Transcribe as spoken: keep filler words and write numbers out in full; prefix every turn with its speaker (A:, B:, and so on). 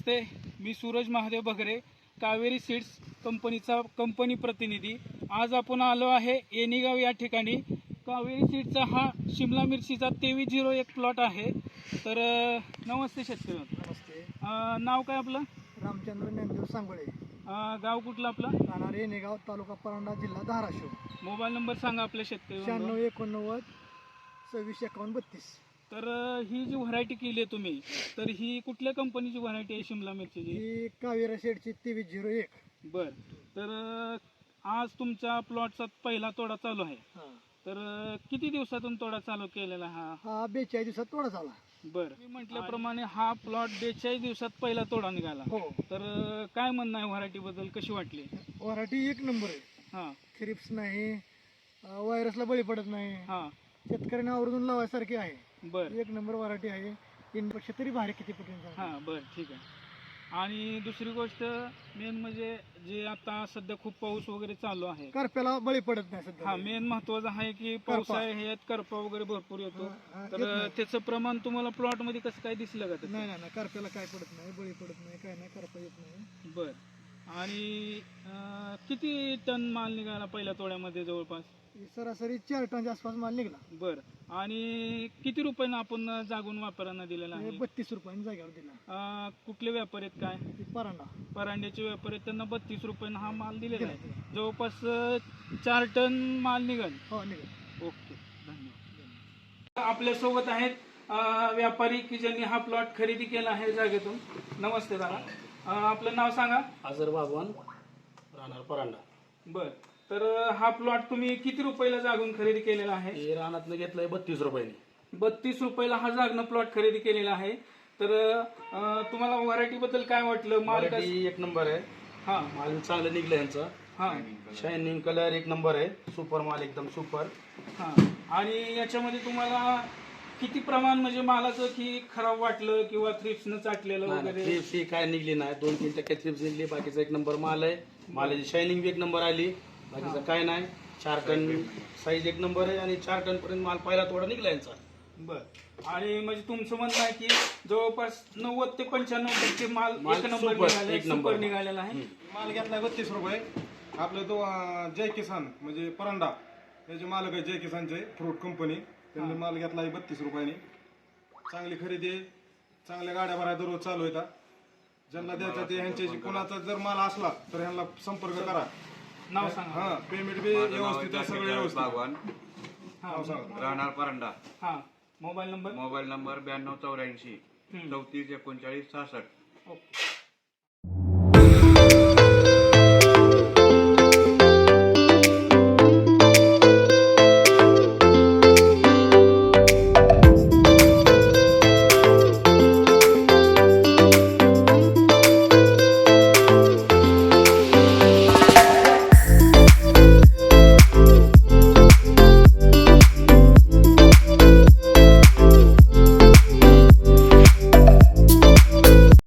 A: नमस्ते, मी सूरज महादेव बगरे, कावेरी सीड्स कंपनीचा कंपनी प्रतिनिधी। आज आपण आलो आहे येणीगाव या ठिकाणी। कावेरी सीड्सचा हा शिमला मिरचीचा तेवीस झिरो एक प्लॉट आहे। तर नमस्ते शेतकरी।
B: नमस्ते।
A: नाव काय आपलं?
B: रामचंद्र ज्ञानदेव सांगोळे।
A: गाव कुठलं आपलं?
B: राहणार येणेगाव, तालुका परांडा, जिल्हा धाराशिव।
A: मोबाईल नंबर सांगा आपल्या शेतकरी।
B: शहाण्णव एकोणनव्वद सव्वीस एकावन्न बत्तीस।
A: तर ही जी व्हरायटी केली आहे तुम्ही, तर ही कुठल्या कंपनीची व्हरायटी आहे शिमला मिरचीची?
B: ही कावेरी सीडची तेवीस झिरो एक।
A: बर, तर आज तुमच्या प्लॉटचा पहिला तोडा चालू आहे। तर किती दिवसातून तोडा चालू केलेला हा?
B: हा बेचाळीस दिवसात तोडा झाला।
A: बर, मी म्हटल्याप्रमाणे हा प्लॉट बेचाळीस दिवसात पहिला तोडा निघाला।
B: हो।
A: तर काय म्हणणं आहे व्हरायटी बद्दल, कशी वाटली?
B: व्हरायटी एक नंबर आहे।
A: हा,
B: थ्रिप्स नाही, व्हायरसला बळी पडत नाही,
A: हा,
B: शेतकऱ्यांना आवर्जून लावायसारखी आहे।
A: बर,
B: एक नंबर व्हरायटी आहे। तीन पेक्षा तरी भारी किती पटीने।
A: हा, बर, ठीक आहे। आणि दुसरी गोष्ट मेन म्हणजे जे आता सध्या खूप पाऊस वगैरे चालू आहे,
B: करप्याला बळी पडत नाही सध्या।
A: हा मेन महत्वाचं आहे की पावसाळ्यात ह्यात करपा वगैरे भरपूर येतो। तर त्याचं प्रमाण तुम्हाला प्लॉट मध्ये कसं काय दिसलं का?
B: नाही नाही, करप्याला काय पडत नाही, बळी पडत नाही, काय नाही, करपा येत नाही।
A: बर, आणि किती टन माल निघाला पहिल्या तोड्यामध्ये? जवळपास
B: सरासरी चार टनच्या आसपास माल निघाला।
A: बर, आणि किती रुपयानं आपण जागून व्यापाऱ्यांना दिलेला आहे?
B: बत्तीस रुपयांनी जागेवर दिला।
A: कुठले व्यापारी आहेत काय?
B: परांडा
A: परांड्याचे व्यापारी आहेत, त्यांना बत्तीस रुपयानं हा माल दिलेला आहे। जवळपास चार टन माल निघाल।
B: हो निघाल।
A: ओके, धन्यवाद। आपल्या सोबत आहेत व्यापारी की ज्यांनी हा प्लॉट खरेदी केला आहे जागेतून। नमस्ते दादा, आपलं नाव सांगा?
C: आजर बागवान, राहणार परांडा।
A: बर, तर हा प्लॉट तुम्ही किती रुपयाला जागून खरेदी केलेला आहे?
C: हे रानातनं घेतलंय बत्तीस रुपयाने।
A: बत्तीस रुपयाला हा जागनं प्लॉट खरेदी केलेला आहे। तर तुम्हाला व्हरायटी बद्दल काय वाटलं? माल
C: क्वालिटी एक नंबर आहे।
A: हा,
C: माल चांगलं निघलं यांचं।
A: हा,
C: शायनिंग कलर एक नंबर आहे। सुपर माल, एकदम सुपर।
A: हा, आणि याच्यामध्ये तुम्हाला किती प्रमाण म्हणजे मालाचं की खराब वाटलं किंवा थ्रिप्सनं चाटलेलं वगैरे?
C: थ्रिप्स ही काय निघली नाही, दोन तीन टक्के थ्रिप्स निघली, बाकीचा एक नंबर माल आहे। मालाची शायनिंग बी एक नंबर आली, बाकीचं काय नाही। चार टन साईज एक नंबर आहे, आणि चार टन पर्यंत माल पहिला थोडा निघला यांचा।
A: बर, आणि म्हणजे तुमचं म्हणणं आहे की जवळपास नव्वद ते पंच्याण्णव टक्के माल एक नंबर निघाला, एक नंबर निघालेला आहे।
D: माल घेतलाय बत्तीस रुपये। आपलं तो अं, जय किसान म्हणजे परांडा याचे मालक आहे, जय किसानचे फ्रूट कंपनी, त्यांनी माल घेतलाय बत्तीस रुपयाने। चांगली खरेदी आहे, चांगल्या गाड्या भराय दररोज चालू येतात। ज्यांना द्यायचा ते ह्यांच्याशी कोणाचा जर माल असला तर ह्यांना संपर्क करा।
A: नाव सांगा?
D: हा, पेमेंट बी व्यवस्थित आहे, सगळं व्यवस्थित।
E: बागवान,
D: नाव सांगा?
E: राहणार परांडा।
A: हा, मोबाईल नंबर?
E: मोबाईल नंबर ब्याण्णव चौऱ्याऐंशी चौतीस एकोणचाळीस सहासष्ट।
A: ओके.